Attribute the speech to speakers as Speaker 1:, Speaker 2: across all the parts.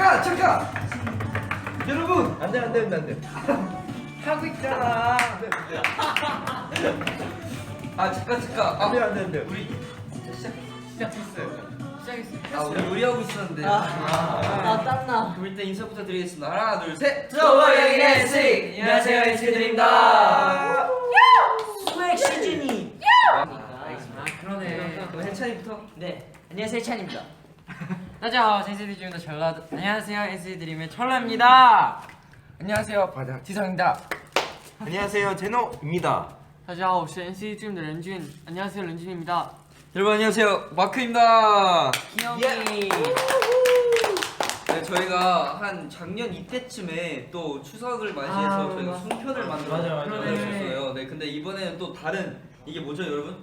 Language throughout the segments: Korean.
Speaker 1: 잠깐 여러분
Speaker 2: 안돼
Speaker 1: 하고 있잖아. 아 잠깐
Speaker 2: 안돼
Speaker 1: 우리
Speaker 3: 시작했어요.
Speaker 1: 우리 요리하고 있었는데.
Speaker 4: 땀나.
Speaker 1: 그럼 일단 인사부터 드리겠습니다. 하나 둘 셋.
Speaker 4: 저와 여기 NC. 안녕하세요, NC들입니다. 스웩 시즌이.
Speaker 3: 그러네.
Speaker 1: 그럼 해찬이부터.
Speaker 4: 네, 안녕하세요, 찬입니다.
Speaker 3: 大家好， NCT 드림의 전라. 안녕하세요, NCT 드림의 철라입니다. 안녕하세요, 바다 지성입니다.
Speaker 2: 안녕하세요 제노입니다.
Speaker 3: 大家好，我是 NCT 드림的任俊. 안녕하세요, 런쥔입니다.
Speaker 1: 여러분 안녕하세요, 마크입니다.
Speaker 4: 귀여이.
Speaker 1: 네, 저희가 한 작년 이때쯤에 또 추석을 맞이해서 저희가 송편을 만들었어요. 네, 근데 이번에는 또 다른 이게 뭐죠, 여러분?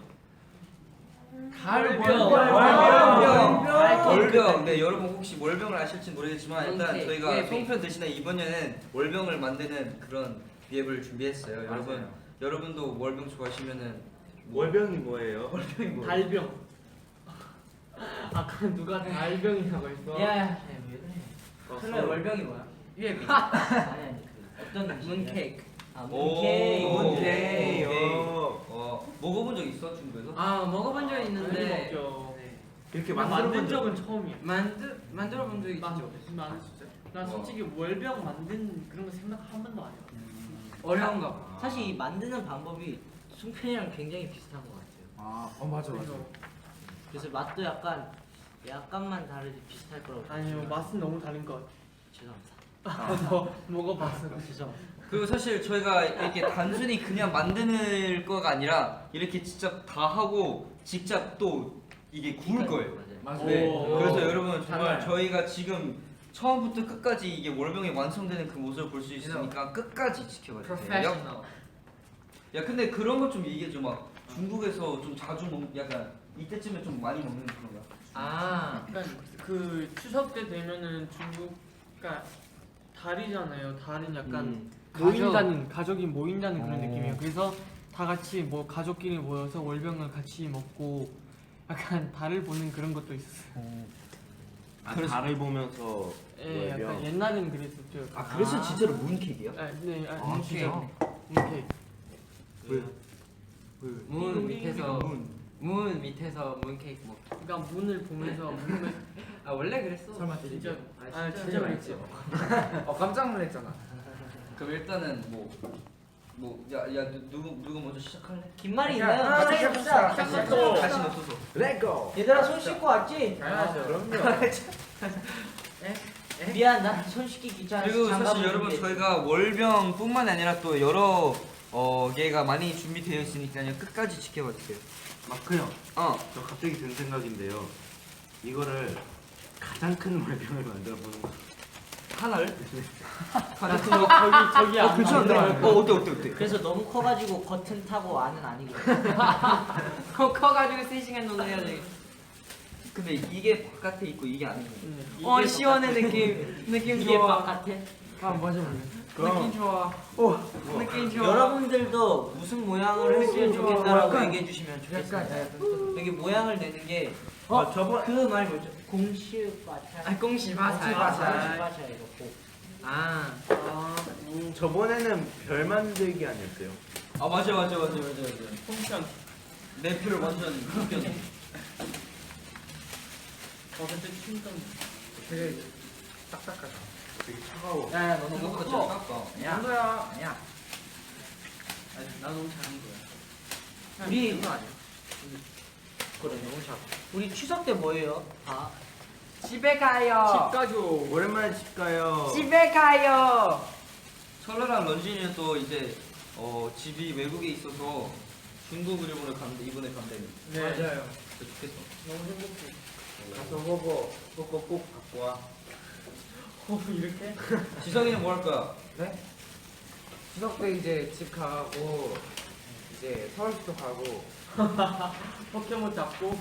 Speaker 1: 월병. 네, 여러분 혹시 월병을 아실지 모르겠지만 일단 저희가 송편 대신에 이번에는 월병을 만드는 그런 기획을 준비했어요. 여러분도 월병 좋아하시면은
Speaker 2: 월병이 뭐예요?
Speaker 1: 월병이 뭐예요?
Speaker 3: 달병. 아까 누가 달병이라고 했어?
Speaker 4: 야,
Speaker 1: 설날 월병이 뭐야?
Speaker 4: 유해비. 아니 어떤
Speaker 3: 문케이크.
Speaker 4: 문케이크.
Speaker 1: 먹어본 적 있어, 중국에서?
Speaker 3: 아, 먹어본 적 있는데
Speaker 2: 이렇게
Speaker 3: 만든 적은 처음이야. 만들어 본 적이 있죠. 나는 진짜. 난 솔직히 월병 만든 그런 거 생각 한 번도 안 해. 어려운가 봐.
Speaker 4: 사실 이 만드는 방법이 송편이랑 굉장히 비슷한 것 같아요.
Speaker 2: 맞아.
Speaker 4: 그래서 맛도 약간만 다르지 비슷할 거라고.
Speaker 3: 아니요, 맛은 너무 다른 것 같아.
Speaker 4: 죄송합니다.
Speaker 3: 너 먹어봤어.
Speaker 4: 죄송합니다.
Speaker 1: 그리고 사실 저희가 이렇게 단순히 그냥 만드는 거가 아니라 이렇게 직접 다 하고 직접 또 이게 구울 거예요.
Speaker 4: 맞아요.
Speaker 1: 네.
Speaker 3: 오.
Speaker 1: 그래서 여러분 정말
Speaker 3: 달라요.
Speaker 1: 저희가 지금 처음부터 끝까지 이게 월병이 완성되는 그 모습을 볼 수 있으니까 끝까지 지켜봐 주세요. 야, 근데 그런 거 좀 얘기해 줘. 막 중국에서 좀 자주 약간 이때쯤에 좀 많이 먹는 그런 거.
Speaker 3: 약간 그 추석 때 되면은 중국, 그러니까 달이잖아요. 달은 약간 가족이 모인다는 그런 느낌이에요. 그래서 다 같이 뭐 가족끼리 모여서 월병을 같이 먹고 약간 달을 보는 그런 것도 있었어요.
Speaker 2: 달을 보면서
Speaker 3: 예, 약간
Speaker 2: 월병.
Speaker 3: 옛날에는 그랬었죠.
Speaker 1: 그래서 진짜로 문케이크야?
Speaker 3: 네,
Speaker 1: 진짜?
Speaker 3: 문케이크.
Speaker 5: 문 밑에서 문 밑에서 문 케이크 먹.
Speaker 3: 그러니까 문을 보면서 문을
Speaker 5: 아 원래 그랬어.
Speaker 3: 설마 진짜 진짜 그랬지.
Speaker 5: 깜짝 놀랐잖아.
Speaker 1: 그럼 일단은 누구 먼저 시작할래?
Speaker 4: 긴 말이 있나요? 같이 해봅시다.
Speaker 1: 다시 없어서.
Speaker 2: 렛고.
Speaker 4: 얘들아 손 씻고 왔지?
Speaker 2: 그럼요.
Speaker 4: 미안, 나 손 씻기 귀찮아.
Speaker 1: 그리고 사실 여러분 저희가 월병뿐만 아니라 또 여러 개가 많이 준비되어 있으니까요. 끝까지 지켜봐 주세요.
Speaker 2: 마크 형. 저 갑자기 든 생각인데요. 이거를 가장 큰 월병을 만들어 보는 거.
Speaker 1: 하나를?
Speaker 3: 저기 안
Speaker 1: 괜찮은데? 어때?
Speaker 4: 그래서 너무 커가지고 겉은 타고 안은 아니고.
Speaker 5: 커가지고 3시간 정도 해야 돼.
Speaker 1: 근데 이게 바깥에 있고 이게 안에 있는
Speaker 5: 시원해 느낌
Speaker 4: 이게
Speaker 5: 좋아.
Speaker 4: 바깥에.
Speaker 3: 맞아.
Speaker 5: 느낌 좋아. 느낌 좋아.
Speaker 4: 여러분들도 무슨 모양을 했으면 좋겠다라고
Speaker 3: 약간-
Speaker 4: 얘기해 주시면 좋겠어요. 여기 모양을 내는 게
Speaker 2: 저번
Speaker 4: 그 말 뭐죠? 공시바차.
Speaker 5: 공시바차.
Speaker 4: 이렇고.
Speaker 2: 저번에는 별 만들기 아니었어요?
Speaker 1: 아 맞아.
Speaker 3: 펑션.
Speaker 1: 내 표를 완전 웃겼어.
Speaker 3: 그때 춤던
Speaker 5: 되게 딱딱하다.
Speaker 2: 되게 차가워.
Speaker 5: 야, 너
Speaker 1: 생각보다
Speaker 5: 너무
Speaker 1: 잘 깎아.
Speaker 5: 야, 야.
Speaker 3: 나 너무 잘한 거야.
Speaker 4: 우리
Speaker 5: 그거 아니야?
Speaker 4: 그래 너무 잘. 우리 추석 때 뭐예요? 다.
Speaker 5: 집에 가요.
Speaker 3: 집 가죠.
Speaker 2: 오랜만에 집 가요.
Speaker 5: 집에 가요.
Speaker 1: 철러랑 런쥔이는 또 이제 집이 외국에 있어서 중국을 이번에 간대.
Speaker 3: 네.
Speaker 5: 맞아요.
Speaker 1: 진짜 좋겠어.
Speaker 3: 너무 행복해.
Speaker 2: 가서 호보 꼭 갖고 와.
Speaker 3: 이렇게?
Speaker 1: 지성이는 뭐 할 거야?
Speaker 5: 네? 추석 때 이제 집 가고 이제 서울도 가고
Speaker 3: 포켓몬 잡고.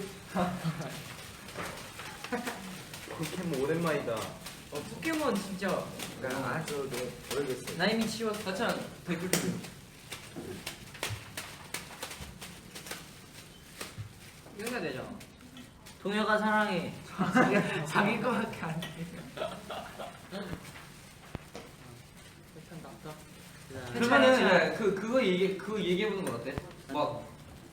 Speaker 2: 포켓몬 오랜만이다.
Speaker 5: 포켓몬 진짜 아주
Speaker 2: 모르겠어.
Speaker 5: 나 이미 치웠어.
Speaker 1: 하찬 댓글 좀.
Speaker 5: 이거 해야 되잖아.
Speaker 4: 동혁아 사랑해.
Speaker 5: 자기 거밖에 안 돼.
Speaker 1: 그러면은 그거 얘기해 보는 건 어때? 막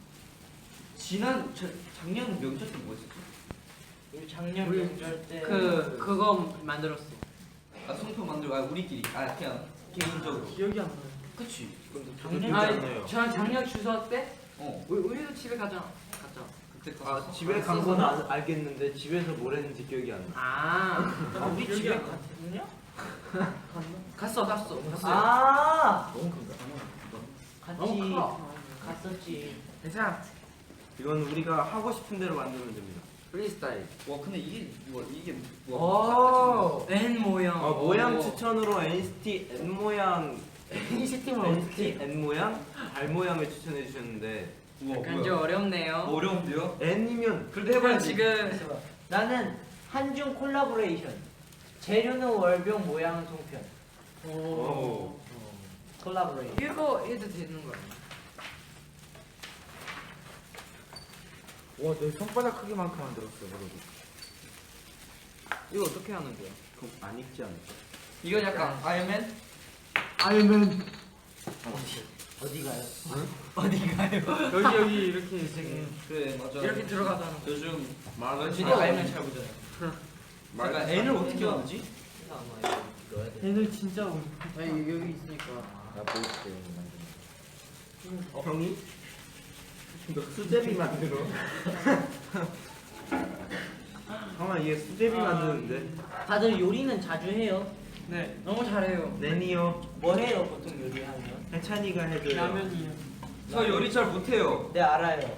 Speaker 1: 작년 명절 때 뭐 했었지?
Speaker 4: 우리 작년
Speaker 3: 우리
Speaker 4: 명절 때
Speaker 3: 그거 만들었어.
Speaker 1: 송편 만들고 우리끼리 그냥 개인적으로.
Speaker 3: 기억이 안 나요.
Speaker 1: 그치?
Speaker 4: 작년
Speaker 2: 않아요.
Speaker 3: 저 작년 추석 때
Speaker 1: 어
Speaker 3: 우리도 집에 갔자.
Speaker 1: 그때
Speaker 2: 집에 간 건 알겠는데 집에서 뭘 했는지 기억이 안 나.
Speaker 4: 우리
Speaker 3: 기억이
Speaker 4: 집에
Speaker 3: 안 나.
Speaker 4: 갔냐?
Speaker 3: 갔어.
Speaker 4: 아
Speaker 5: 너무 큰가?
Speaker 4: 같이
Speaker 3: 너무 커.
Speaker 4: 갔었지.
Speaker 5: 괜찮아.
Speaker 2: 이건 우리가 하고 싶은 대로 만들면 됩니다.
Speaker 5: 프리스타일.
Speaker 1: 와 근데 이게
Speaker 5: 오.
Speaker 4: N 모양.
Speaker 2: 모양 추천으로 NCT N 모양
Speaker 4: NCT만
Speaker 2: NCT N 모양 달 모양을 추천해 주셨는데
Speaker 1: 우와
Speaker 3: 약간 좀 어렵네요.
Speaker 1: 어려운데요?
Speaker 2: N이면
Speaker 1: 그래도 해봐야지.
Speaker 3: 지금
Speaker 4: 나는 한중 콜라보레이션. 재료는 월병 모양은 송편.
Speaker 2: 오.
Speaker 4: 콜라보레이션.
Speaker 5: 이거 해도 되는 거야. 와, 내 손바닥 크기만큼 만들었어, 그러고. 이거 어떻게 하는 거야?
Speaker 2: 그럼 안 익지 않을까?
Speaker 1: 이건 약간 아이언맨?
Speaker 5: 아니면
Speaker 4: 어디 가요?
Speaker 3: 여기 이렇게 지금
Speaker 1: 그래 맞아.
Speaker 3: 이렇게 들어가자는 거.
Speaker 1: 요즘
Speaker 2: 말은
Speaker 1: 연진이 아이언맨 잘 보잖아요. 약간 N을 어떻게 만들지?
Speaker 3: 얘들 진짜
Speaker 5: 여기 있으니까. 나 보여줄게,
Speaker 2: 형이? 너 수제비 만들어. 형아 얘 수제비 만드는데.
Speaker 4: 다들 요리는 자주 해요.
Speaker 3: 네 너무 잘해요.
Speaker 2: 내니요.
Speaker 4: 뭘 해요 보통 요리하면?
Speaker 2: 해찬이가 해줘요.
Speaker 3: 라면이요.
Speaker 1: 저 요리 잘 못해요.
Speaker 4: 네 알아요.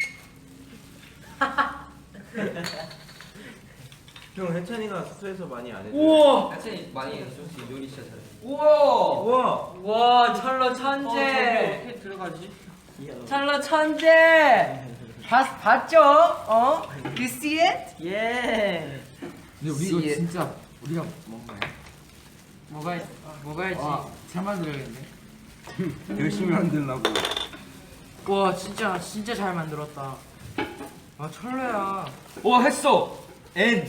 Speaker 2: 형 해찬이가 숙소에서 많이 안 해줘.
Speaker 3: 우와
Speaker 1: 하여튼 많이 해서 요리 진짜 잘해.
Speaker 3: 우와
Speaker 2: 우와.
Speaker 3: 와 찰러 천재. 어떻게 들어가지? 찰러 천재. 봤죠? You see it?
Speaker 4: 예.
Speaker 5: 근데 우리 이거 진짜 우리가 뭔가요?
Speaker 3: 먹어야지.
Speaker 5: 잘 만들어야겠네.
Speaker 2: 열심히 만들라고.
Speaker 3: 와 진짜 잘 만들었다.
Speaker 5: 아, 철로야.
Speaker 1: 와 했어. N.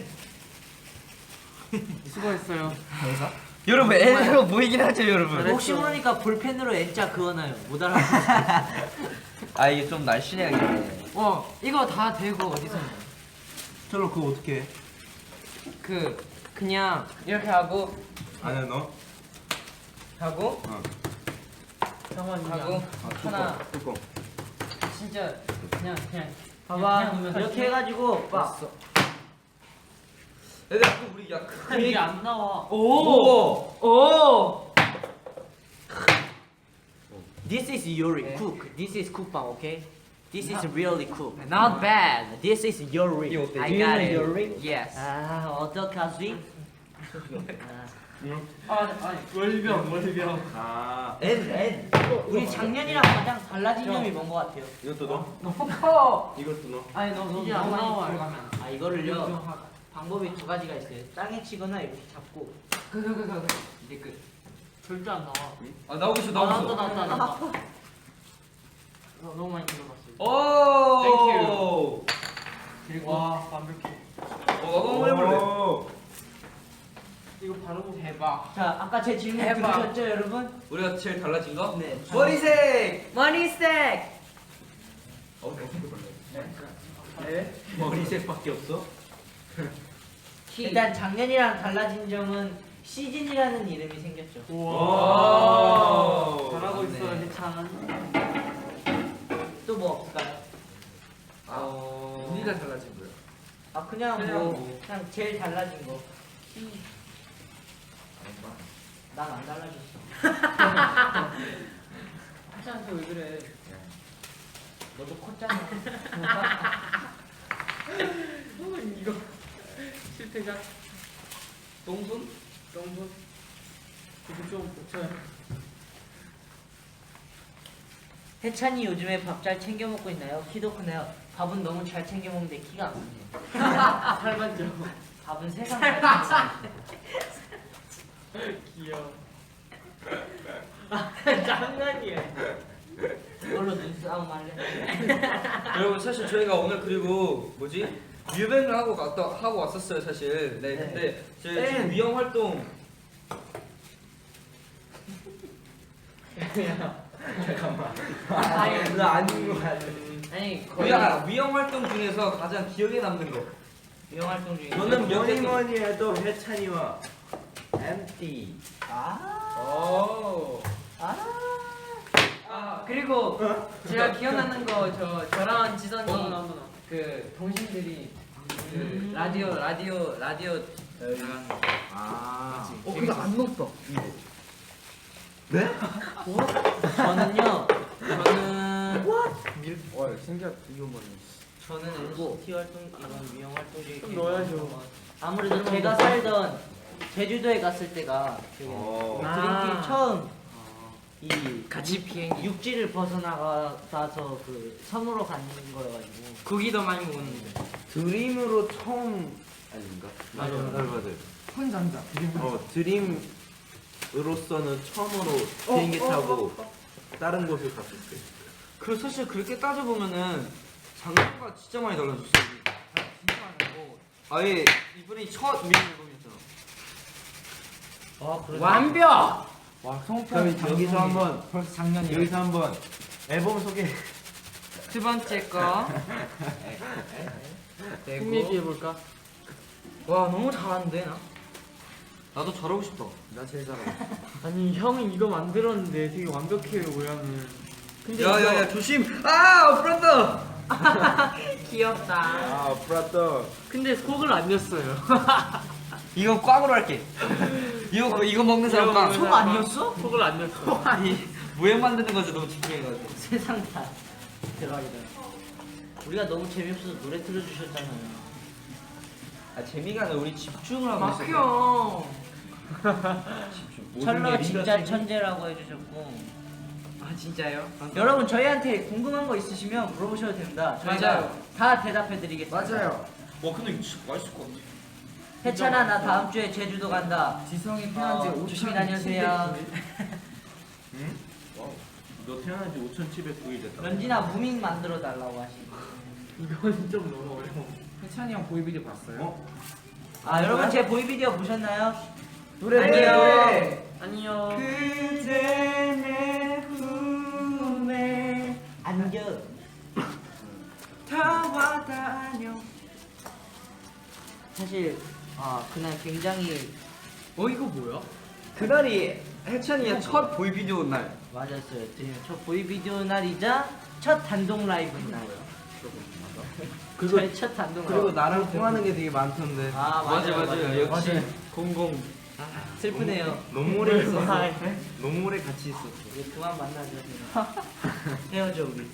Speaker 3: 수고했어요.
Speaker 1: 여러분 N으로 보이긴 하죠 여러분.
Speaker 4: 혹시 모르니까 볼펜으로 N자 그어놔요. 못 알아.
Speaker 1: 아 이게 좀 날씬해야겠네.
Speaker 3: 이거 다 되고 어디서
Speaker 2: 철로 그거 어떻게 해?
Speaker 3: 그냥 이렇게 하고
Speaker 2: 안 해 너?
Speaker 3: 하고
Speaker 2: 어.
Speaker 3: 하고 하나
Speaker 2: 뚜껑.
Speaker 3: 진짜 그냥
Speaker 4: 봐봐.
Speaker 3: 그냥
Speaker 4: 이렇게 해가지고 막
Speaker 1: 얘들아 또 우리 야
Speaker 4: 이게 안 나와.
Speaker 3: 오.
Speaker 4: This is Yuri cook. This is cookbang, okay? This is really cook.
Speaker 3: Not bad.
Speaker 4: This is Yuri.
Speaker 1: 이거 어때?
Speaker 4: I
Speaker 1: Do you
Speaker 4: got
Speaker 1: know
Speaker 4: it.
Speaker 1: Yuri?
Speaker 3: Yes.
Speaker 4: 아 어떡하지?
Speaker 3: 월병.
Speaker 2: 아.
Speaker 4: N. 우리 작년이랑 가장 달라진 점이 뭔 것 같아요?
Speaker 2: 이것도 넣어?
Speaker 3: 너무 커.
Speaker 2: 이것도 넣어?
Speaker 3: 아니 너무
Speaker 4: 이게 안
Speaker 3: 많이
Speaker 4: 나와요.
Speaker 3: 들어가면.
Speaker 4: 아 이거를요. 방법이 두 가지가 있어요. 땅에 치거나 이렇게 잡고.
Speaker 3: 이제 끝. 절대 안 나와.
Speaker 1: 아 나오고 있어
Speaker 4: 나왔다.
Speaker 3: 너무 많이 들어갔어.
Speaker 1: 오.
Speaker 3: 그리고 와 완벽해.
Speaker 1: 나도 한번 해볼래.
Speaker 3: 이거 바로 대박.
Speaker 4: 자 아까 제 질문
Speaker 3: 대박.
Speaker 4: 들으셨죠 여러분?
Speaker 1: 우리가 제일 달라진 거?
Speaker 4: 네.
Speaker 1: 머리색.
Speaker 3: 머리색.
Speaker 1: 어떻게 볼래?
Speaker 3: 네.
Speaker 2: 머리색밖에 없어?
Speaker 4: 일단 작년이랑 달라진 점은 시즌이라는 이름이 생겼죠.
Speaker 3: 우와.
Speaker 2: 오.
Speaker 3: 잘하고 있어
Speaker 1: 맞네.
Speaker 3: 해찬.
Speaker 4: 또 뭐 없을까요?
Speaker 5: 우리가 달라진 거야.
Speaker 4: 아 그냥 그냥 제일 달라진 거. 난 안 달라졌어.
Speaker 3: 해찬한테 왜 그래?
Speaker 4: 너도 컸잖아.
Speaker 3: 이거 실패자.
Speaker 1: 똥손?
Speaker 3: 똥손. 이거 좀 고쳐요.
Speaker 4: 해찬이 요즘에 밥 잘 챙겨 먹고 있나요? 키도 크나요? 밥은 너무 잘 챙겨 먹는데 키가 안 크네요.
Speaker 3: 살만 쪄.
Speaker 4: 밥은 세상 잘 챙겨.
Speaker 3: 귀여워. 장난이야.
Speaker 4: 이걸로 눈싸움 할래?
Speaker 1: 여러분 사실 저희가 오늘 그리고 뭐지 뮤뱅을 하고 왔었어요 사실. 네. 근데 저희 지금 미영 활동
Speaker 4: 아니,
Speaker 5: 나 아닌 거 같아.
Speaker 4: 아니 거의
Speaker 1: 위험 활동 중에서 가장 기억에 남는 거.
Speaker 4: 유형 활동 중에
Speaker 2: 저는 뭐니 해도 해찬이와 MT.
Speaker 5: 오.
Speaker 3: 그리고 제가 기억나는 거 저랑 지선이
Speaker 4: 한번
Speaker 3: 그 동생들이 그 라디오 나가는 거.
Speaker 2: 아.
Speaker 5: 근데 안 높다.
Speaker 4: 저는요
Speaker 5: 와 신기하다. 이거 뭐냐.
Speaker 4: 저는 NCT 활동 이런 유형 활동 중에
Speaker 3: 좀 넣어야죠.
Speaker 4: 아무래도 제가 살던 제주도에 갔을 때가 그
Speaker 2: 오.
Speaker 4: 드림팀 처음 이
Speaker 3: 같이 비행기.
Speaker 4: 육지를 벗어나가서 그 섬으로 가는 거여가지고
Speaker 3: 고기도 많이 먹었는데.
Speaker 2: 드림으로 처음 아닌가? 맞아요.
Speaker 5: 혼자인자.
Speaker 2: 드림으로서는 처음으로 비행기 타고 다른 곳을 갔을 때.
Speaker 1: 그 사실 그렇게 따져보면은 작년과 진짜 많이 달라졌어요. 진짜 많이 고 아예 이번이 첫 미니 앨범이었잖아.
Speaker 3: 완벽.
Speaker 5: 와
Speaker 2: 그럼 여기서 한번
Speaker 5: 벌써 작년이야.
Speaker 2: 여기서 한번 앨범 소개.
Speaker 3: 두 번째 거. 흥미있게 해볼까?
Speaker 4: 와 너무 잘하는데 나?
Speaker 1: 나도 잘하고 싶다.
Speaker 5: 나 제일 잘하고.
Speaker 3: 아니 형이 이거 만들었는데 되게 완벽해요 모양은. 근데
Speaker 1: 야야야 조심. 아 브란더.
Speaker 4: 귀엽다.
Speaker 2: 아 브라더.
Speaker 3: 근데 속을 안 냈어요.
Speaker 1: 이거 꽝으로 할게. 이거 먹는 사람 꽝.
Speaker 4: 속 아니었어?
Speaker 3: 속을 안 냈어.
Speaker 1: 아니 모양 만드는 거지 너무 집중해가지고.
Speaker 4: 세상 다 대박이다. 우리가 너무 재미없어서 노래 틀어주셨잖아요.
Speaker 1: 아 재미가 아니라 우리 집중을 하고 있어.
Speaker 3: 막혀.
Speaker 4: 철러 진짜 천재라고 해주셨고.
Speaker 3: 아 진짜요?
Speaker 4: 여러분 저희한테 궁금한 거 있으시면 물어보셔도 됩니다. 저희가
Speaker 3: 맞아요.
Speaker 4: 다 대답해드리겠습니다.
Speaker 5: 맞아요.
Speaker 1: 와 근데 이거 진짜 맛있을 것 같아.
Speaker 4: 해찬아 나 다음 주에 제주도 간다.
Speaker 5: 지성이 태어난 지
Speaker 4: 조심히 다녀오세요.
Speaker 2: 응? 너 태어난 지 5,709일 됐다.
Speaker 4: 런진아 무밍 만들어 달라고 하시고.
Speaker 3: 이건 좀 너무 어려워.
Speaker 5: 해찬이 형 보이비디오 봤어요?
Speaker 4: 아 여러분 제 보이 비디오 보셨나요?
Speaker 5: 노래
Speaker 4: 아니요.
Speaker 3: 아니요.
Speaker 4: 그대 내 품에 안겨.
Speaker 3: 다와 다녀.
Speaker 4: 사실 그날 굉장히
Speaker 3: 이거 뭐야?
Speaker 1: 그날이 해찬이의 첫 보이 비디오 날.
Speaker 4: 맞았어요. 지금 첫 보이 비디오 날이자 첫 단독 라이브 날. 저희 첫 단독
Speaker 2: 그리고
Speaker 4: 라이브.
Speaker 2: 나랑 통하는 게 되게 많던데.
Speaker 4: 아 맞아요.
Speaker 1: 역시 공공.
Speaker 4: 슬프네요.
Speaker 2: 너무 오래 있었어.
Speaker 4: 아,
Speaker 2: 너무 오래 같이 있었어.
Speaker 4: 이제 그만 만나자. 헤어져 우리.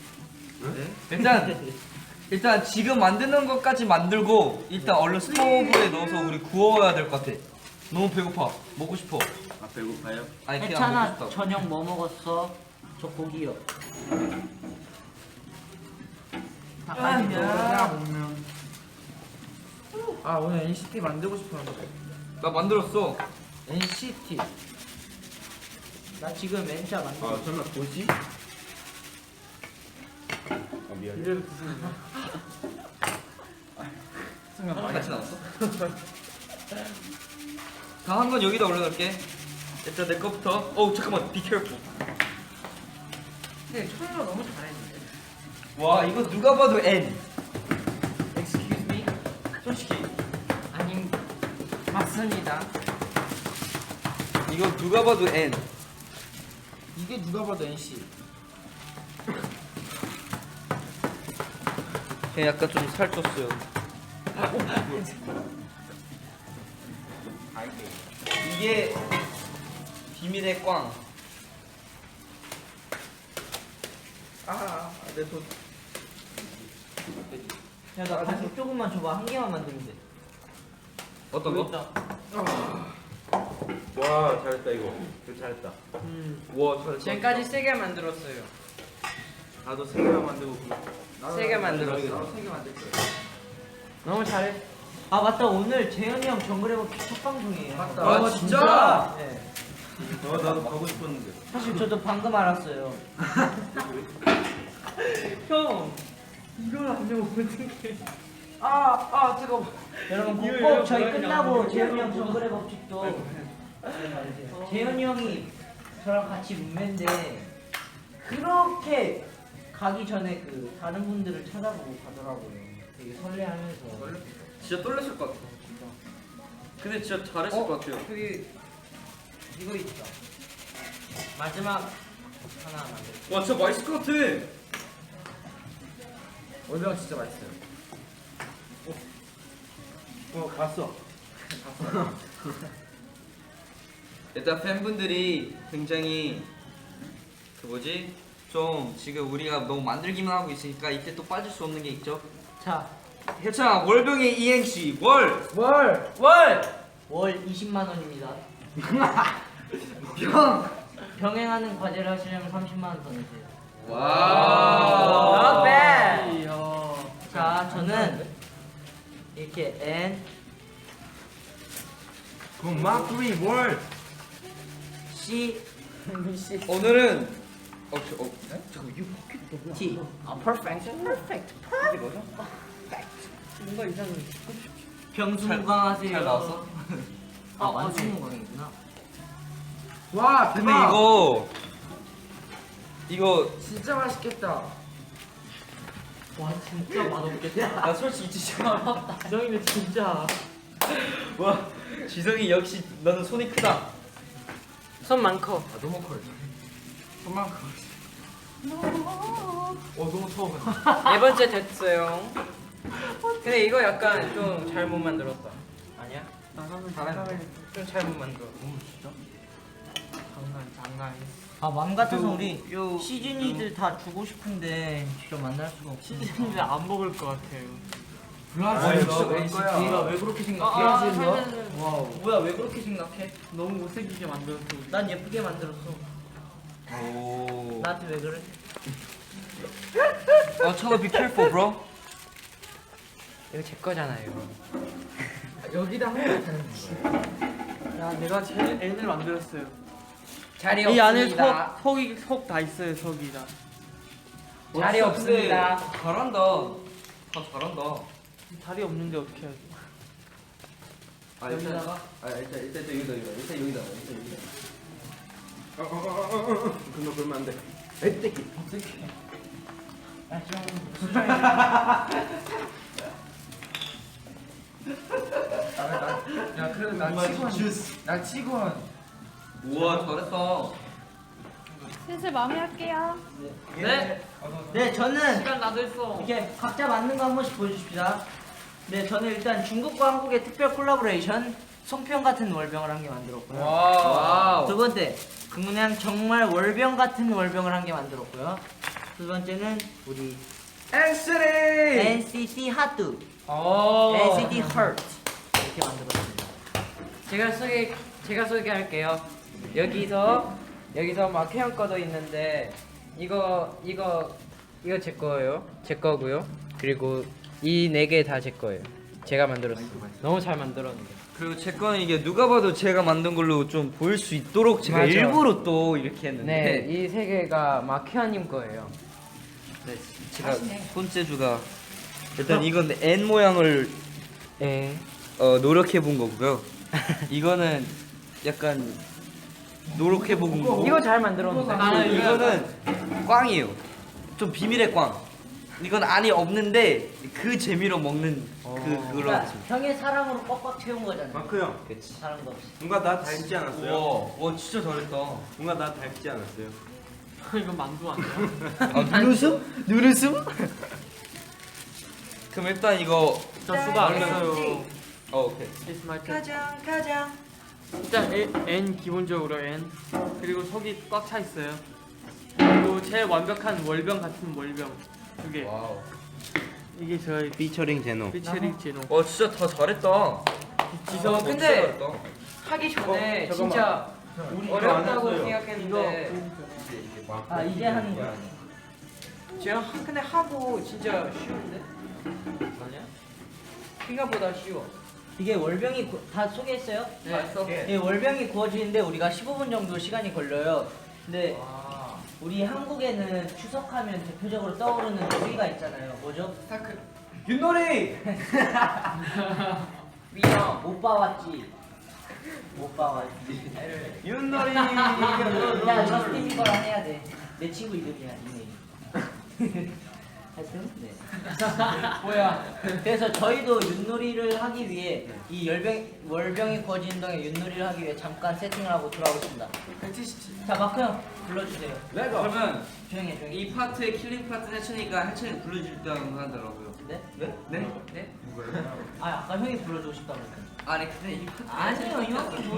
Speaker 1: 일단 지금 만드는 것까지 만들고 일단 얼른 스토브에 넣어서 우리 구워야 될 것 같아. 너무 배고파. 먹고 싶어.
Speaker 2: 아 배고파요?
Speaker 1: 아니 그냥
Speaker 4: 해찬아
Speaker 1: 먹고 싶다.
Speaker 4: 저녁 뭐 먹었어? 저 고기요.
Speaker 5: 내가 먹면. 아 오늘 NCT 만들고 싶었는데.
Speaker 1: 나 만들었어.
Speaker 4: NCT. 나 지금 N자 만들고.
Speaker 2: 아 설마 보지? 아 미안해.
Speaker 3: 이래도 무슨
Speaker 5: 순간 많이
Speaker 1: 같이 나왔어? 다 한 건 여기다 올려놓을게. 일단 내 거부터. 잠깐만. Be careful.
Speaker 3: 근데 철러 너무 잘했는데.
Speaker 1: 와 이거 누가 봐도 N.
Speaker 3: Excuse me?
Speaker 1: 솔직히
Speaker 3: 아니 맞습니다.
Speaker 1: 이거 누가 봐도 N.
Speaker 5: 이게 누가 봐도 NC.
Speaker 1: 그냥 약간 좀 살쪘어요. 이게 비밀의 꽝. 내 손.
Speaker 4: 야나 반죽 조금만 줘봐. 한 개만 만들면 돼.
Speaker 1: 어떤 거?
Speaker 2: 와 잘했다 이거. 이거 잘했다.
Speaker 1: 와, 잘.
Speaker 3: 지금까지 3개 만들었어요.
Speaker 2: 나도 세 개만 만들고.
Speaker 3: 3개 만들었어.
Speaker 5: 나도 3개 만들 거야.
Speaker 3: 너무 잘해.
Speaker 4: 아 맞다 오늘 재현이 형 정글해버 첫 방송이에요.
Speaker 5: 맞다.
Speaker 1: 아, 진짜?
Speaker 4: 네.
Speaker 2: 나도 가고 싶었는데.
Speaker 4: 사실 저도 방금 알았어요.
Speaker 3: 형 이걸 안 되면 어떡해.
Speaker 5: 뜨거워.
Speaker 4: 여러분
Speaker 3: 이거
Speaker 4: 꼭
Speaker 3: 이거
Speaker 4: 저희
Speaker 3: 뭐야,
Speaker 4: 끝나고
Speaker 3: 그냥
Speaker 4: 재현이 형 정글의 법칙도 재현이 형이 저랑 같이 룸메인데 그렇게 가기 전에 그 다른 분들을 찾아보고 가더라고요. 되게 설레하면서.
Speaker 1: 진짜 떨렸을 것 같아. 근데 진짜 잘했을 것 같아요.
Speaker 5: 저기 이거 있다.
Speaker 4: 마지막 하나 만들.
Speaker 1: 와 진짜 맛있을 것 같아.
Speaker 5: 월병 진짜 맛있어요.
Speaker 2: 봤어.
Speaker 1: 일단 팬분들이 굉장히 그 뭐지? 좀 지금 우리가 너무 만들기만 하고 있으니까 이때 또 빠질 수 없는 게 있죠.
Speaker 4: 자,
Speaker 1: 해찬 월병의 이행시 월.
Speaker 5: 월.
Speaker 4: 월 20만 원입니다.
Speaker 1: 병.
Speaker 4: 병행하는 과제를 하시려면 30만 원 더 내세요.
Speaker 1: 와.
Speaker 4: Not bad.
Speaker 3: 이야.
Speaker 4: 자, 저는 이렇게 N
Speaker 2: 그럼 마크리 월.
Speaker 4: C
Speaker 1: 오늘은 잠깐 이거
Speaker 4: T. perfect.
Speaker 3: 뭔가 이상해.
Speaker 4: 병수무강하세요.
Speaker 1: 잘 나왔어?
Speaker 4: 완수무강이구나.
Speaker 5: 와
Speaker 1: 근데
Speaker 5: 대박.
Speaker 1: 이거
Speaker 5: 진짜 맛있겠다.
Speaker 3: 와 진짜 맛없겠다.
Speaker 1: 나 솔직히 진짜
Speaker 3: 지성이는 진짜.
Speaker 1: 와 지성이 역시 너는 손이 크다.
Speaker 4: 손 많고.
Speaker 5: 아 너무 커요.
Speaker 1: 손만 크.
Speaker 5: 너무 처음.
Speaker 6: 네 번째 됐어요. 근데 이거 약간 좀 잘못 만들었다. 아니야?
Speaker 3: 나가면
Speaker 6: 좀 잘못 만들어.
Speaker 3: 장난.
Speaker 4: 맘 같아서 우리 시즌이들 다 주고 싶은데 진짜 만날 수가 없어.
Speaker 3: 시즌인데 안 먹을 것 같아요.
Speaker 5: 브라질
Speaker 1: 진짜
Speaker 5: 너
Speaker 1: 거야.
Speaker 4: 네가 왜 그렇게 생각해?
Speaker 5: 와우.
Speaker 4: 뭐야 왜 그렇게 생각해?
Speaker 3: 너무 못생기게 만들었어.
Speaker 4: 난 예쁘게 만들었어.
Speaker 1: 오.
Speaker 4: 나한테 왜 그래?
Speaker 1: 철로 be careful, bro.
Speaker 6: 이거 제 거잖아요.
Speaker 5: 여기다 하면 되는 거예요.
Speaker 3: 야 내가 제일 N을 만들었어요.
Speaker 6: 자리
Speaker 3: 이 안에
Speaker 6: 없습니다.
Speaker 3: 속 다 있어요. 속이 다.
Speaker 6: 자리
Speaker 1: 진짜
Speaker 6: 없습니다.
Speaker 1: 근데 잘한다. 다 잘한다.
Speaker 3: 다리 없는데 어떻게 해야지?
Speaker 4: 여기다가
Speaker 1: 일단 여기다.
Speaker 2: 그러면 안 돼.
Speaker 5: 야 그래도 나 치곤.
Speaker 1: 우와 잘했다.
Speaker 7: 슬슬 마무리할게요.
Speaker 4: 네 저는
Speaker 3: 시간 나도 했어.
Speaker 4: 이렇게 각자 만든 거 한 번씩 보여주십시다. 네 저는 일단 중국과 한국의 특별 콜라보레이션 송편 같은 월병을 한 개 만들었고요.
Speaker 6: 와우.
Speaker 4: 두 번째 그냥 정말 월병 같은 월병을 한 개 만들었고요. 두 번째는 우리 NCT 하트, NCT Heart 이렇게 만들었습니다.
Speaker 6: 제가 소개할게요. 여기서 마크형 거도 있는데 이거 제 거예요. 제 거고요. 그리고 이 네 개 다 제 거예요. 제가 만들었어요. 너무 잘 만들었는데.
Speaker 1: 그리고 제 거는 이게 누가 봐도 제가 만든 걸로 좀 보일 수 있도록 제가
Speaker 6: 맞아.
Speaker 1: 일부러 또 이렇게 했는데.
Speaker 6: 네, 이 세 개가 마크형님 거예요.
Speaker 1: 네, 제가 손재주가 일단 이건 N 모양을
Speaker 6: 네.
Speaker 1: 노력해 본 거고요. 이거는 약간 노력해 본 거고.
Speaker 6: 이거 잘 만들었는데.
Speaker 1: 이거는 꽝이에요. 좀 비밀의 꽝. 이건 안이 없는데 그 재미로 먹는 그걸로
Speaker 4: 그러니까
Speaker 1: 했습니다.
Speaker 4: 형의 사랑으로 꽉꽉 채운 거잖아요.
Speaker 2: 마크 형,
Speaker 1: 그렇지.
Speaker 4: 사랑도 없이.
Speaker 2: 뭔가 나 닮지 않았어요?
Speaker 1: 와 진짜 잘했다.
Speaker 2: 뭔가 나 닮지 않았어요?
Speaker 3: 이건 만두 아니야?
Speaker 1: 눈웃음? 눈웃음? 그럼 일단 이거
Speaker 3: 저 수가 안 했어요.
Speaker 1: 오케이.
Speaker 3: It's my turn.
Speaker 4: 가장.
Speaker 3: 일단 N 기본적으로 N 그리고 속이 꽉 차 있어요. 그리고 제일 완벽한 월병 같은 월병 두 개.
Speaker 1: 와우.
Speaker 3: 이게 저희
Speaker 2: 피처링 제노.
Speaker 3: 피처링 제노.
Speaker 1: 와 진짜 다 잘했다.
Speaker 6: 지성
Speaker 1: 진짜
Speaker 6: 근데
Speaker 1: 잘했다.
Speaker 6: 하기 전에
Speaker 2: 잠깐만.
Speaker 6: 진짜
Speaker 2: 우리
Speaker 6: 어렵다고
Speaker 2: 이거 안
Speaker 6: 생각했는데
Speaker 4: 아 이제 하는 거야.
Speaker 6: 제가 근데 하고 진짜 쉬운데? 아니야? 생각보다 쉬워.
Speaker 4: 이게 월병이 다 소개했어요?
Speaker 6: 네. 했어.
Speaker 4: 예, 월병이 구워지는데 우리가 15분 정도 시간이 걸려요. 근데 우리 한국에는 추석하면 대표적으로 떠오르는 요리가 있잖아요. 뭐죠?
Speaker 1: 윷놀이.
Speaker 4: 미영 못 봐왔지. 못 봐왔지.
Speaker 1: 윷놀이.
Speaker 4: 야 저스틴 비버랑 해야 돼. 내 친구 이름이야 닉네임. 하여튼 네.
Speaker 3: 뭐야?
Speaker 4: 그래서 저희도 윷놀이를 하기 위해 이 월병이 구워지는 동안 윷놀이를 하기 위해 잠깐 세팅을 하고 돌아오겠습니다. 자 마크 형 불러주세요.
Speaker 1: 그러면
Speaker 4: 조용히 해 조용히.
Speaker 1: 이 파트의 킬링 파트 해천이가 해천이 불러주려고 하더라고요.
Speaker 4: 네?
Speaker 1: 네? 네? 네?
Speaker 4: 아 아까 형이 불러주고 싶다면서.
Speaker 1: 아니 근데 이 파트
Speaker 4: 아니요 형이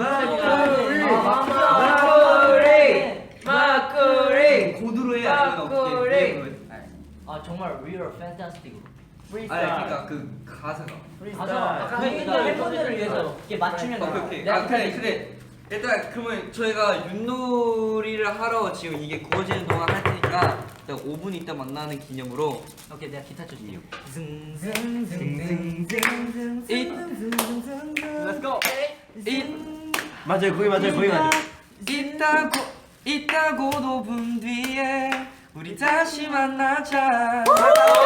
Speaker 3: 마크리!
Speaker 1: 고드로 해 아니면 어떻게? 고드로 해?
Speaker 4: 아 정말 real fantastic.
Speaker 1: 아니 그러니까 그 가사가.
Speaker 4: 아까 형이가 팬분들을 위해서 이렇게 맞추면
Speaker 1: 오케이. 아 근데 일단 그러면 저희가 윷놀이를 하러 지금 이게 구워지는 동안 할 테니까 일단 5분 있다 만나는 기념으로
Speaker 4: 오케이 내가 기타 쳐줄게요.
Speaker 3: Let's go!
Speaker 2: 맞아요, 거기 맞아요, 거기 맞아요.
Speaker 1: 있다고 5분 뒤에 우리 다시 만나자.